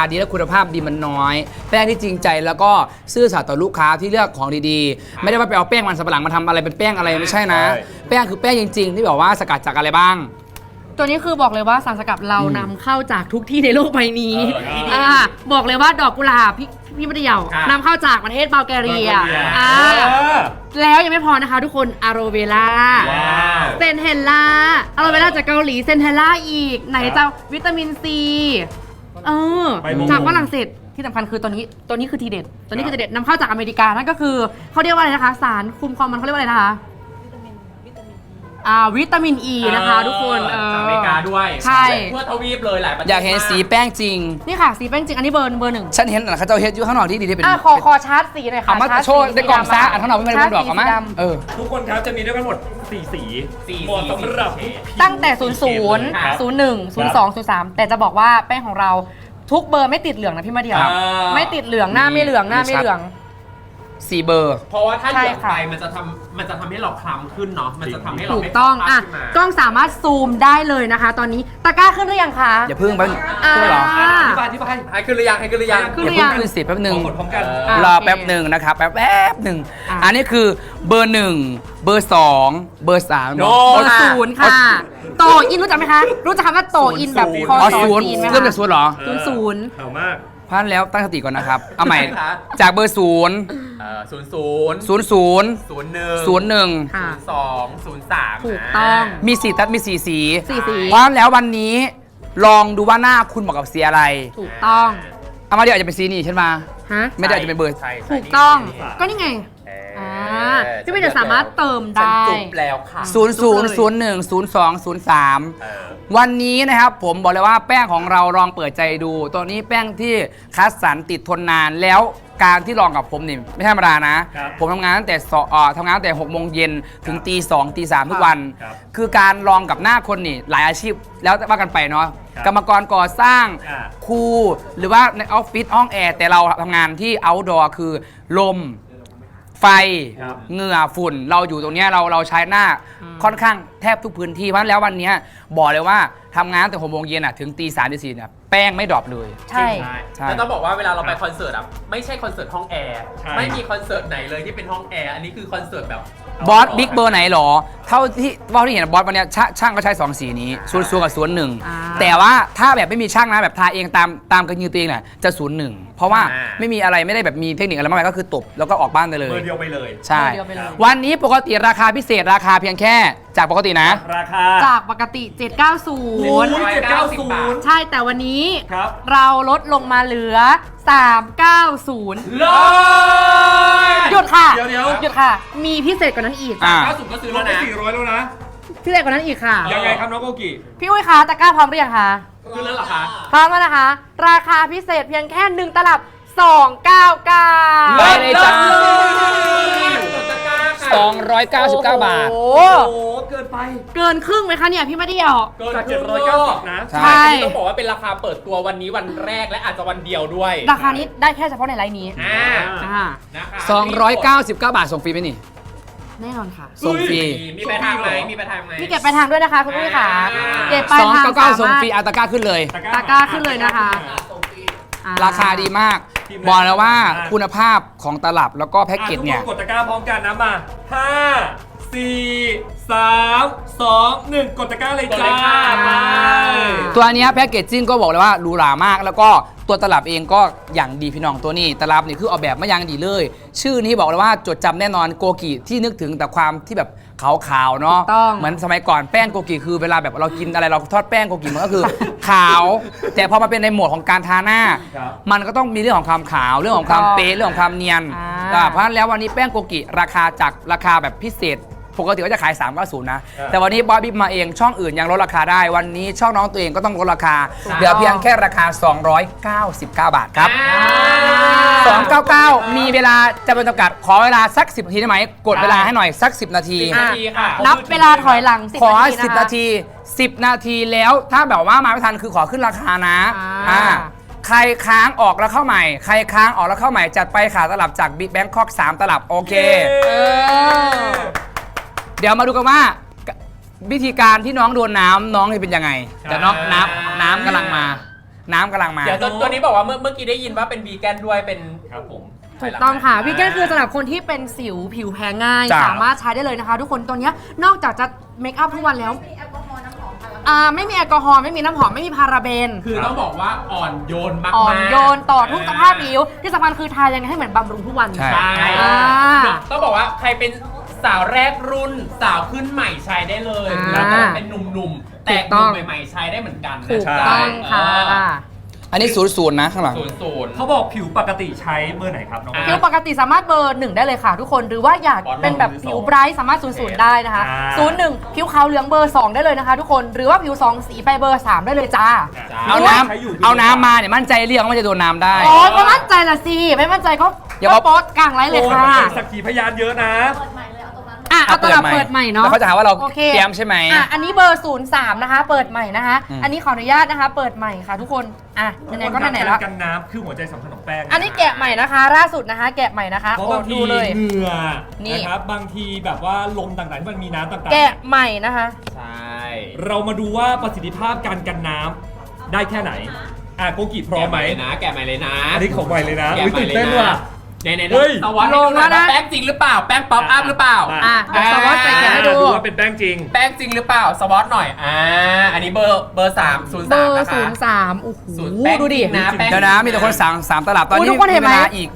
ดีและคุณภาพดีมันน้อยแป้งที่จริงใจแล้วก็ซื่อสัตย์ต่อลูกค้าที่เลือกของดีๆไม่ได้ว่าไปเอาแป้งมันสำปะหลังมาทำอะไรเป็นแป้งอะไรไม่ใช่นะแป้งคือแป้งจริงๆที่บอกว่าสกัดจากอะไรบ้างตัวนี้คือบอกเลยว่าสารสกัดเรานำเข้าจากทุกที่ในโลกใบนี้บอกเลยว่าดอกกุหลาบพี่มัธยานำเข้าจากประเทศบัลแกเรียแล้วยังไม่พอนะคะทุกคนอะโรเวล่าเซนเทลล่าอะโรเวล่าจากเกาหลีเซนเทลล่าอีกไหนจะวิตามินซีจากฝรั่งเศสที่สำคัญคือตัวนี้คือทีเด็ดตัวนี้คือทีเด็ดนำเข้าจากอเมริกานั่นก็คือเขาเรียกว่าอะไรนะคะสารคุมความมันเขาเรียกว่าอะไรนะคะวิตามินอีนะคะทุกคนจากอเมริกาด้วยใช่ทั่วทวีปเลยหลายประเทศอยากเห็นสีแป้งจริงนี่ค่ะสีแป้งจริงอันนี้เบอร์หนึ่งฉันเห็นเขาจะเห็นอยู่ข้างนอกที่ดีที่เป็นขอชาร์จสีหน่อยค่ะเอามาโชว์ในกล่องซ่าอันข้างนอกไม่ได้บอกเอามาทุกคนครับจะมีด้วยกันหมด4 สีหมดสำหรับตั้งแต่00 01 02 03แต่จะบอกว่าแป้งของเราทุกเบอร์ไม่ติดเหลืองนะพี่มาเดียวไม่ติดเหลืองหน้าไม่เหลือง 4 เบอร์เพราะว่าถ้าเหลืองไปมันจะทำให้เราคล้ำขึ้นเนาะมันจะทำให้เราถูกต้องกล้องสามารถซูมได้เลยนะคะตอนนี้ตะกร้าขึ้นหรือยังคะอย่าพึ่งไปขึ้นหรอที่ไปให้ขึ้นหรือยังอย่าเพิ่งขึ้นสิแป๊บนึงรอแป๊บนึงนะครับแป๊บนึงอันนี้คือเบอร์1เบอร์2เบอร์3 เบอร์0ค่ะโตอินรู้จักไหมคะรู้จักคำว่าโตอินแบบคอศูนย์เริ่มจากศูนย์เหรอ 00 เก่ามากพันแล้วตั้งสติก่อนนะครับเอาใหม่จากเบอร์0 ถูกต้องมี4ตัดมี4 สี 4 สีเพราะแล้ววันนี้ลองดูว่าหน้าคุณเหมาะกับสีอะไรถูกต้องเอามาเดี๋ยวอาจจะเป็นสีนี้ใช่ไหมไม่ได้อาจจะเป็นเบอร์ถูกต้องก็นี่ไงพี่ไม่ได้สามารถเติมได้จุบแล้วค่ะ 00 01 02 03วันนี้นะครับผมบอกเลยว่าแป้งของเราลองเปิดใจดูตัวนี้แป้งที่คัดสรรติดทนนานแล้วการที่ลองกับผมนี่ไม่ธรรมดานะผมทำงานตั้งแต่6 โมงเย็นถึงตี 2 ตี 3ทุกวันคือการลองกับหน้าคนนี่หลายอาชีพแล้วว่ากันไปเนาะกรรมกรก่อสร้างครูหรือว่าในออฟฟิศห้องแอร์แต่เราทำงานที่ outdoor คือลมไฟเหงื่อฝุ่นเราอยู่ตรงนี้เราใช้หน้าค่อนข้างแทบทุกพื้นที่เพราะแล้ววันนี้บอกเลยว่าทำงานแต่6 โมงเย็นถึงตี 3 ตี 4เนี่ยแป้งไม่ดรอปเลยใช่แล้วต้องบอกว่าเวลาเราไปคอนเสิร์ตไม่ใช่คอนเสิร์ตห้องแอร์ไม่มีคอนเสิร์ตไหนเลยที่เป็นห้องแอร์อันนี้คือคอนเสิร์ตแบบบอสบิ๊กเบอร์ไหนหรอเท่าที่เห็นบอสวันนี้ช่างก็ใช้2 สีนี้0 กับ01แต่ว่าถ้าแบบไม่มีช่างนะแบบทาเองตามกระยือตัวเองเนี่ยจะ01เพราะว่าไม่มีอะไรไม่ได้แบบมีเทคนิคอะไรมากมายก็คือตบแล้วก็ออกบ้านไปเลยเบอร์เดียวไปเลยใช่วันนี้ปกติราคาพิเศษราคาเพียงแค่จากปกตินะราคาจากปกติ790ใช่แต่วันนี้เราลดลงมาเหลือ390หยุดค่ะหยุดค่ะมีพิเศษกว่านั้นอีก 390ก็ซื้อแล้วนะ 400แล้วนะพิเศษกว่านั้นอีกค่ะยังไงครับน้องโกกิพี่อุ้ยคะตะกร้าพร้อมหรือยังคะซื้อแล้วเหรอคะพร้อมแล้วนะคะราคาพิเศษเพียงแค่1 ตลับ299 ได้เลยจ้า299 บาทโอ้เกินไปเกินครึ่งไหมคะเนี่ยพี่ไม่ได้เอาจาก790นะใช่ต้องบอกว่าเป็นราคาเปิดตัววันนี้วันแรกและอาจจะวันเดียวด้วยราคานี้ได้แค่เฉพาะในไลน์นี้ 299 บาทส่งฟรีไหมนี่แน่นอนค่ะส่งฟรีมีไปทางไหมพี่เก็บไปทางด้วยนะคะคุณผู้ชมค่ะเก็บไปทาง 299ส่งฟรีตะกร้าขึ้นเลยตะกร้าขึ้นเลยนะคะราคาดีมากบอกแล้วว่าคุณภาพของตลับแล้วก็แพ็กเกจเนี่ยกดตะกร้าพร้อมกันนะมา5 4 3 2 1กดตะกร้าเลยจ้าตัวนี้แพ็กเกจจิ้งก็บอกเลยว่าหรูหรามากแล้วก็ตัวตลับเองก็อย่างดีพี่น้องตัวนี้ตลับนี่คือออกแบบมาอย่างดีเลยชื่อนี้บอกเลยว่าจดจำแน่นอนโกกิที่นึกถึงแต่ความที่แบบขาวๆเนาะเหมือนสมัยก่อนแป้งโกกิคือเวลาแบบเรากินอะไรเราทอดแป้งโกกิมันก็คือขาวแต่พอมาเป็นในโหมดของการทาหน้ามันก็ต้องมีเรื่องของความขาวเรื่องของความเป๊ะเรื่องของความเนียนเพราะฉะนั้นแล้ววันนี้แป้งโกกิราคาจากราคาแบบพิเศษปกติก็จะขาย390นะแต่วันนี้บอสบิ๊กมาเองช่องอื่นยังลดราคาได้วันนี้ช่องน้องตัวเองก็ต้องลดราคาเหลือเพียงแค่ราคา299 บาทครับ299มีเวลาจะเป็นจำกัดขอเวลาสัก10 นาทีได้ไหมกดเวลาให้หน่อยสัก10 นาทีนับเวลาถอยหลัง10 ขอ10 นาที10 นาทีแล้วถ้าแบบว่ามาไม่ทันคือขอขึ้นราคานะใครค้างออกแล้วเข้าใหม่ใครค้างออกแล้วเข้าใหม่จัดไปขาตลับจากบิ๊กแบงคอก3 ตลับโอเคเดี๋ยวมาดูกันว่าวิธีการที่น้องโดนน้ำน้องจะเป็นยังไงแต่น้องน้ำกำลังมาน้ำกำลังมาเดี๋ยวตัวนี้บอกว่าเมื่อกี้ได้ยินว่าเป็นวีแกนด้วยเป็นครับผมถูกต้องค่ะวีแกนคือสำหรับคนที่เป็นสิวผิวแพ้ง่ายจ้ะสามารถใช้ได้เลยนะคะ ทุกคนตัวเนี้ยนอกจากจะเมคอัพทุกวันแล้วไม่มีแอลกอฮอล์ไม่มีน้ำหอมไม่มีพาราเบนคือต้องบอกว่าอ่อนโยนมากๆอ่อนโยนต่อทุกสภาพผิวที่สำคัญคือทายังไงให้เหมือนบำรุงทุกวันใช่ใช่อ่าต้องบอกว่าใครเป็นสาวแรกรุ่นสาวขึ้นใหม่ใช้ได้เลยอ่าแล้วก็เป็นหนุ่มๆ แต่ถูกต้องหนุ่มใหม่ๆใช้ได้เหมือนกันนะถูกใช่ต้องค่ะอันนี้0 0นะข้างหลัง 00 เขาบอกผิวปกติใช้เบอร์ไหนครับน้องผิวปกติสามารถเบอร์ 1 ได้เลยค่ะทุกคนหรือว่าอยากเป็นแบบผิวไบรท์สามารถ00ได้นะคะ 01 ผิวขาวเหลืองเบอร์ 2 ได้เลยนะคะ ทุกคนหรือว่าผิว 2 สีไปเบอร์ 3 ได้เลยจ้าเอาน้ำมาเนี่ยมั่นใจเรียกว่ามันจะโดนน้ำได้อ๋อก็มั่นใจละสิไม่มั่นใจก็อย่าบอกโพสต์กลางไลฟ์เลยค่ะโอ้สักขีพยานเยอะนะเอาตลับเปิดใหม่เนาะแล้วเขาจะหาว่าเราโอคเตรียมใช่ไหมอันนี้เบอร์ 03 นะคะ เปิดใหม่นะคะอืมอันนี้ขออนุญาตนะคะ เปิดใหม่ค่ะทุกคนไหนๆก็ไหนๆแล้วกันน้ำคือหัวใจสำคัญของแป้งอันนี้แกะใหม่นะคะล่าสุดนะคะ แกะใหม่นะคะเพราะโอ้บางทีดูเลยเหงื่อนี่นะครับบางทีแบบว่าลมต่างๆที่มันมีน้ำต่างๆแกะใหม่นะคะใช่เรามาดูว่าประสิทธิภาพการกันน้ำได้แค่ไหนโกกิพร้อมไหมแกะใหม่เลยนะอันนี้ของใหม่เลยนะแกะอุ๊ยใหม่ตื่นเลยเต้นนะว่ะในเฮ้ยสวัสดีลงแล้วนะแป้งจริงหรือเปล่าแป้งป๊อปอัพหรือเปล่าเดี๋ยวสวอตใส่แกะให้ดูว่าเป็นแป้งจริงแป้งจริงหรือเปล่าสวอตหน่อยอันนี้เบอร์3 เบอร์ 03 03โอ้โหศูนย์แป้งดูดิจริงนะแป้งเดี๋ยวนะมีแต่คนสั่ง3ตลับตอนอุ๊ยนี้ทุกคนเห็นไหมวลาอีก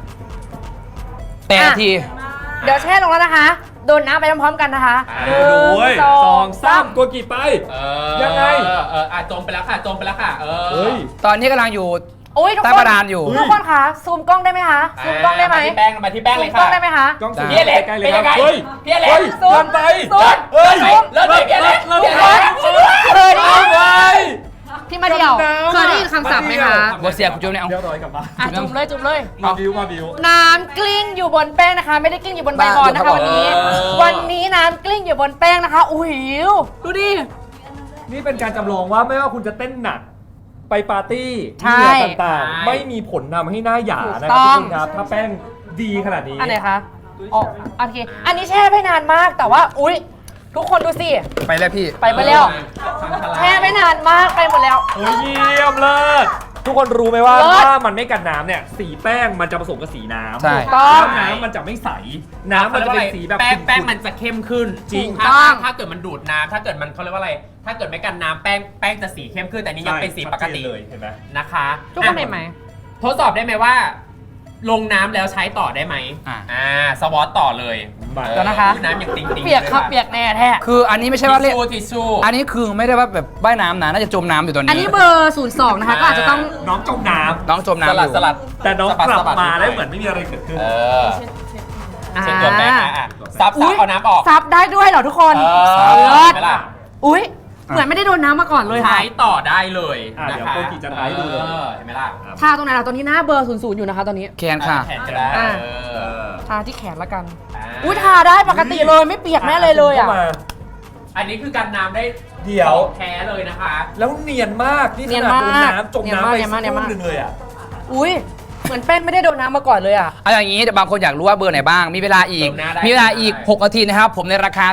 8 นาทีเดี๋ยวแช่ลงแล้วนะคะ โดนน้ำไปพร้อมๆกันนะคะอ่าหนึ่โอ้ยสองสามโกกิไป ยังไงจมไปแล้วค่ะจมไปแล้วค่ะเฮ้ยตอนนี้กำลังอยู่โอ้ยทุกใต้คนประดานอยู่ทุกคนคะซูมกล้องได้ไหมคะซูมกล้องได้ไหมมาที่แป้งเลยซูมกล้ค่ะองได้ไหมคะกล้องสูงพี่อเล็กใกล้ๆเลยเป็นคยัรับงไงเฮ้ยพี่อเล็กเฮ้ยซูมเกินไปซูมเฮ้ยเลิศเลยพี่อเล็กเลิศพี่อเลเล็ยกช่วยด้วยเคยได้ยินเฮ้ยพี่มาเดี่ยวเคยได้ยินคำศัพท์ไหมคะบัวเสียคุณโจมเนี่ยเอาเรียบร้อยกลับบ้านจุ่มเลยจุ่มเลยมาบิวมาบิวน้ำกลิ้งอยู่บนแป้งนะคะ ไม่ได้กลิ้งอยู่บนใบบอลนะคะวันนี้ วันนี้น้ำกลิ้งอยู่บนแป้งนะคะอุ้ยดูดินี่เป็นการจำลองว่าไม่ว่าคุณจะเเต้นหนักไปปาร์ตี้ใช่เหงื่อต่างๆ ไม่มีผลทำให้หน้าหยานะคถูรับกต้องทุกคนครับถ้าแป้งดีขนาดนี้อันไหนคะอ๋อโอเคอันนี้แช่ไปนานมากแต่ว่าอุ้ยทุกคนดูสิไปแล้วพี่ไปหมดแล้ว แช่ไม่นานมากไปหมดแล้วเฮ้ยเยี่ยมเลิศทุกคนรู้ไหมว่าเลิศถ้ามันไม่กันน้ำเนี่ยสีแป้งมันจะผสมกับสีน้ำใช่ต้องแล้วน้ำมันจะไม่ใส น้ำมันจะเป็นสีแบบแป้งขุ่ๆมันจะเข้มขึ้นจริงถ้าเกิดมันดูดน้ำถ้าเกิดมันเขาเรียกว่าอะไร ถ้าเกิดไม่กันน้ำแป้งจะสีเข้มขึ้นแต่นี่ยังเป็นสีปกติเลยเห็นไหมนะคะทุกคนเห็นไหมทดสอบได้ไหมว่า ลงน้ำแล้วใช้ต่อได้ไหมสวอตต่อเลยมาเดี๋ยวนะคะน้ำอย่างติ๊งๆเปียกครับเปียกแน่แท้คืออันนี้ไม่ใช่ว่าเล่นทิชชู่อันนี้คือไม่ได้ว่าแบบว่ายน้ำนะน่าจะจมน้ำอยู่ตอนนี้อันนี้เบอร์ 02 นะคะ ก็อาจจะต้องน้องจมน้น้องจมสน้ำอลัดยู่สลัดำแต่น้องสะบัดกลับสะบัดมานิดหน่อยได้เหมือนไม่มีอะไรเกิดขึ้นเช็ดตัวแป้งซับเอาน้ำออกซับได้ด้วยเหรอทุกคนซับเลิศเห็นไหมล่ะอุ้ยเหมือนไม่ได้โดนน้ำมาก่อนเลยค่ะใช้ต่อได้เลยอ่ะนะเดี๋ยวคะโกกิจะท้ายดูเลยเห็นไหมล่ะทาตรงไหนล่ะตอนนี้หน้าเบอร์ 00 อยู่นะคะตอนนี้แคนค่ะแขนก็ได้อ่ะเออทาที่แขนละกัน อุ้ยทาได้ปกติเลยไม่เปียกแม่เลยเลยอ่ะข้ามาอันนี้คือกันน้ำได้เดี๋ยวแท้เลยนะคะแล้วเนียนมากนี่เนีขยนนาดมากโดนน้ำจมน้ำไปเนียนมากสักครู่หนึงเลยอ่ะอุ้ยเหมือนเป็นไม่ได้โดนน้ำมาก่อนเลยอ่ะเอาอย่างนี้เดี๋ยวบางคนอยากรู้ว่าเบอร์ไหนบ้าง มีเวลาอีกเติมหน้าได้มีเวลาอีก 6 นาทีนะครับ ผมในราคา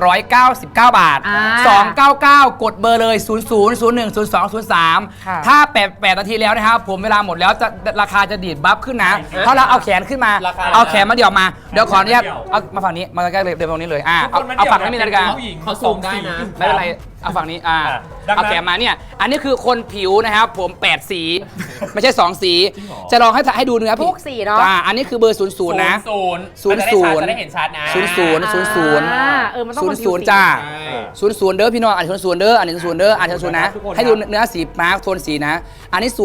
299 บาท 299 กดเบอร์เลย 00 01 02 03 ค่ะถ้า8นาทีแล้วนะครับ ผมเวลาหมดแล้วจะราคาจะดีดบัฟขึ้นนะ เพราะเราเอาแขนขึ้นมาราคาเอาแขนมาเดี่ยวมา เดี๋ยวขออนุญาตเดี่ยวเอามาฝั่งนี้ มาใกล้ๆเลยเดี๋ยวตรงนี้เลยทุกคนมันเอาฝั่งนี้มีนาฬิกาผู้หญิงเขาซูมได้นะไม่เป็นไร เอาฝั่งนี้ดังนั้นเอาแขนมาเนี่ย อันนี้คือคนผิวนะครับ ผม 8 สี ไม่ใช่ 2 สีจริงเหรอจะลองให้ดูเนื้อผิวทุกสีเนาะอันนี้คือเบอร์ 00 นะ 00จะได้เห็นชัดนะ 00 มันต้องคนผิวสี 00 จ้าใช่ 00 เด้อพี่น้องอ่าน00 เด้ออันนี้00 เด้ออ่าน00 นะทุกคนครับให้ดูเนื้อสีมาร์คโทนสีนะ อันนี้ 01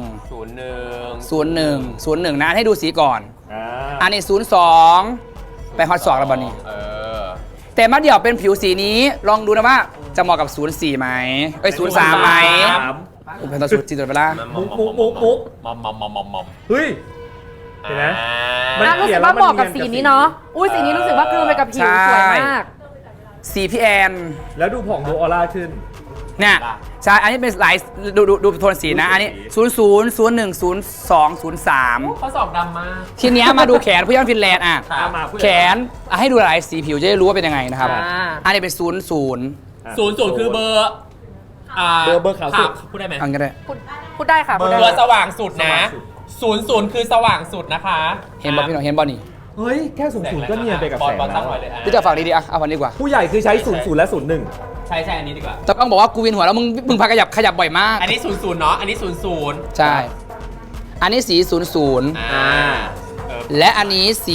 01 นะให้ดูสีก่อน อันนี้ 02 ไปฮอต2แล้วบอลนี้ แต่มาเดี่ยวเป็นผิวสีนี้ลองดูนะว่าจะเหมาะกับ 04 ไหมเอ้ย 03 ไหมผมเป็นตัวสูตรจีตัวไปละมุกมอมเฮ้ย เห็นไหม มันรู้เขีสึยนกว่าเหมาะกับแล้วมันสีเนียนกับนี้เนาะ อุ้ยสีนี้รู้สึกว่ากลืนไปกับผิวสวยมากสีพี่แอนแล้วดูผ่องดูออร่าขึ้นเนี่ยใช่อันนี้เป็นหลายดูโทนสีนะ อันนี้ 00 01 02 03 ข้อสอบดำมากทีเนี้ยมาดูแขนผู้ย่างฟินแลนด์อ่ะครับมาพูดแขนให้ดูหลายสีผิวจะได้รู้ว่าเป็นยังไงนะครับ อันนี้เป็น 00 00คือเบอร์เบอร์ขาวสุดพูดได้ไหมอันก็ได้พูดได้ค่ะพูดได้ตัวสว่างสุดนะสว่างสุด 00คือสว่างสุดนะคะเห็นบอลพี่น้องเห็นบอลนี่เฮ้ย แค่ศูนย์ก็เนียนไปกับแสงบอลตั้แล้งวไว้เลยอ่ะพี่จะฝากดีๆอ่ะเอาวันนี้ดีกว่าผู้ใหญ่คือใช้00และ01 ใช่อันนี้ดีกว่าแต่ต้องบอกว่ากูเวียนหัวแล้วมึงพาขยับบ่อยมากอันนี้00เนาะอันนี้00 ใช่ อันนี้สี 00 และอันนี้สี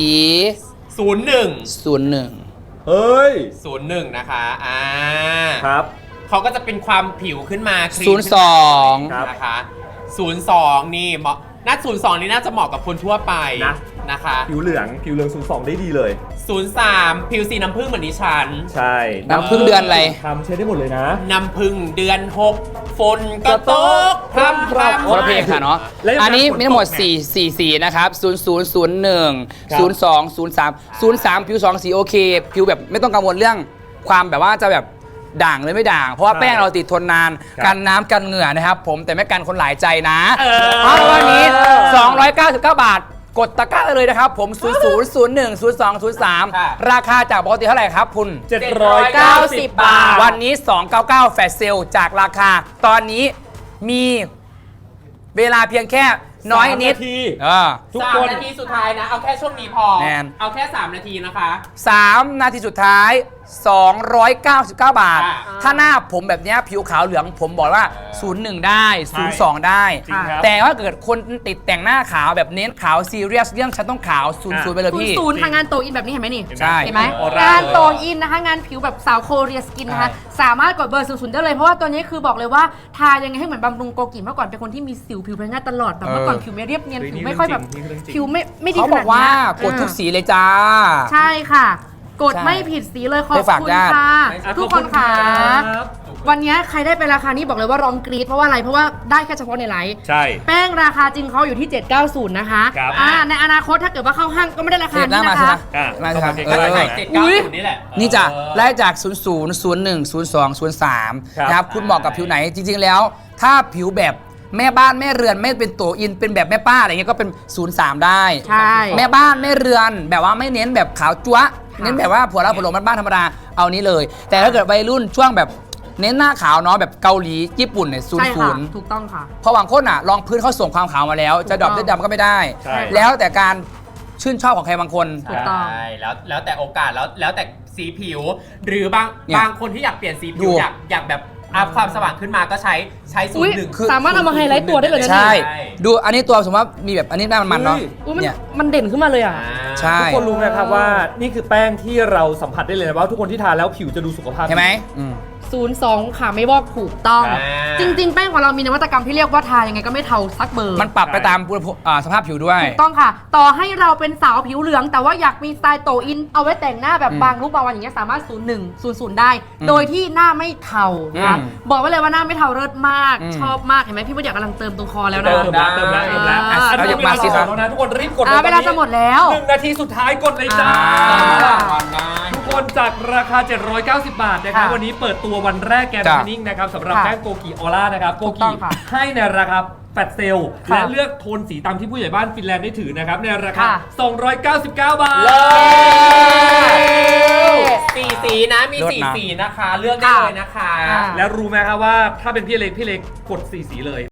01 01 เฮ้ย 01นะคะครับเขาก็จะเป็นความผิวขึ้นมาครีม 02 ครับนะคะ02นี่เหมาะน่า02นี่น่าจะเหมาะกับคนทั่วไปนะนะคะผิวเหลือง02ได้ดีเลย 03ผิวสีน้ำผึ้งเหมือนดิฉันใช่น้ำผึ้งเดือนอะไรทำใช้ได้หมดเลยนะน้ำผึ้งเดือน6ฝนก็ตกพรำคนละเพลงค่ะเนาะและยังอันนี้ฝนตกมีทั้งหมดเนี่ย 4สีนะครับ 0001 ครับ 02 03 03 ผิว 2 สีโอเค ผิวแบบไม่ต้องกังวลเรื่องความแบบว่าจะแบบด่างเลยไม่ด่าง เพราะว่าแป้งเราติดทนนาน กันน้ำกันเหงื่อนะครับ ผมแต่ไม่กันคนหลายใจนะเพราะวันนี้ 299 บาท กดตะกร้าได้เลยนะครับ ผม 0001 02 03 ราคาจากปกติเท่าไหร่ครับคุณ 790 บาทวันนี้ 299 แฟลชเซลจากราคา ตอนนี้มีเวลาเพียงแค่น้อยนิด 3 นาที ทุก 3 คนนาทีสุดท้ายนะ เอาแค่ช่วงนี้พอแมนเอาแค่ 3 นาทีนะคะ 3 นาทีสุดท้าย 299 บาทอ่าถ้าหน้าผมแบบเนี้ยผิวขาวเหลืองผมบอกว่า 01 ได้ 02 ได้จริงครับแต่ว่าเกิดคนติดแต่งหน้าขาวแบบเน้นขาวซีเรียสเรื่องฉันต้องขาว 00 ไปเลยพี่ 00ทางงานโตอินแบบนี้เห็นไหมนี่ใช่เห็นไหมออร่างานเลยโตอินนะคะงานผิวแบบสาวโคเรียสกินนะคะ สามารถกดเบอร์00ได้เลยเพราะว่าตัวนี้คือบอกเลยว่าทายังไงให้เหมือนบำรุงโกกิเมื่อก่อนเป็นคนที่มีสิวผิวแพ้ง่ายตลอดแบบเมื่อก่อนผิวไม่เรียบเนียนผิวไม่ค่อยแบบผิวไม่ดีเขาขบนาอดกว่าเนี้ยกดทุกสีเลยจ้าใช่ค่ะ กดใช่ไม่ผิดสีเลยขอบไปฝากคุณญาติค่ะอ่ะทุกคนค่ะขอบคุณครับวันนี้ใครได้ไปราคานี้บอกเลยว่าร้องกรี๊ดเพราะว่าอะไรเพราะว่าได้แค่เฉพาะในไลฟ์ใช่แป้งราคาจริงเขาอยู่ที่ 790 นะคะครับในอนาคตถ้าเกิดว่าเข้าห้างก็ไม่ได้ราคาเห็นหน้านี้มานะสิคะนะอ่ะมาสิครับเข้ามาเออใกล้ 790นี่แหละนี่จ้ะเออไล่จาก 00 01 02 03 ครับนะครับ คุณเหมาะกับผิวไหน จริง ๆ แล้ว ถ้าผิวแบบแม่บ้านแม่เรือนไม่เป็นตัวอิน เป็นแบบแม่ป้าอะไรเงี้ยก็เป็น 03 ได้ใช่แม่บ้านแม่เรือนแบบว่าไม่เน้นแบบขาวจั๊วะเน้นแบบว่าผัวเราผัวหลงบ้านๆธรรมดา เอานี้เลย แต่ถ้าเกิดวัยรุ่นช่วงแบบเน้นหน้าขาวเนาะแบบเกาหลีญี่ปุ่นเนี่ยใช่ค่ะ 00 ถูกต้องค่ะเพราะบางคนอ่ะลองพื้นเขาส่งความขาวมาแล้ว จะดรอปได้ดำก็ไม่ได้ใช่แล้วแต่การชื่นชอบของใครบางคนถูกต้องใช่แล้วแต่โอกาสแล้วแต่สีผิว หรือบางเนี่ยบางคนที่อยากเปลี่ยนสีผิดูวอยากแบบอัพความสว่างขึ้นมาก็ใช้อุ๊ย 01 คือสามารถเอามาไฮไลท์ตัวได้เลยนะใช่ใช่ดูอันนี้ตัวสมมติว่ามีแบบอันนี้หน้ามันๆเนาะอุ๊ยมันเนี่ยมันเด่นขึ้นมาเลยอ่ะใช่ทุกคนรู้นะครับว่านี่คือแป้งที่เราสัมผัสได้เลยนะว่าทุกคนที่ทานแล้วผิวจะดูสุขภาพเห็นไหมอืม 02 ค่ะไม่วอกถูกต้องอ่าจริง ๆ แป้งของเรามีนวัตกรรมที่เรียกว่าทายังไงก็ไม่เทาสักเบอร์มันปรับไปตามสภาพผิวด้วยถูกต้องค่ะ ต่อให้เราเป็นสาวผิวเหลือง แต่ว่าอยากมีสไตล์โตอิน เอาไว้แต่งหน้าแบบอืมบางรูปบางวันอย่างเงี้ยสามารถ 01 00 ได้อืมโดยที่หน้าไม่เทานะคะอืมบอกไว้เลยว่าหน้าไม่เทาเลิศมากอืมชอบมากเห็นไหมพี่ว่าอยากกำลังเติมตรงคอแล้วนะเติมแล้วเติมแล้วเติมแล้วอ่าอันนี้เอามาสิครับแล้วนะทุกคนรีบกดเวลาจะหมดแล้ว 1 นาทีสุดท้ายกดเลยจ้า ทุกคนจากราคา 790 บาทนะครับค่ะวันนี้เปิดตัววันแรกแกนจ้ะทนิ่งนะครับสำหรับค่ะแป้งโกกิออร่านะครับโกถูกต้กิองค่ะให้ในราคาแฟลตเซลค่ะและเลือกโทนสีตามที่ผู้ใหญ่บ้านฟินแลนด์ได้ถือนะครับ ในราคาค่ะ 299 บาทสีสีนะมีเลิศสีนะสีนะคะ เลือกได้เลยนะคะค่ะแล้วรู้ไหมครับว่าถ้าเป็นพี่เล็กกดสีสีเลย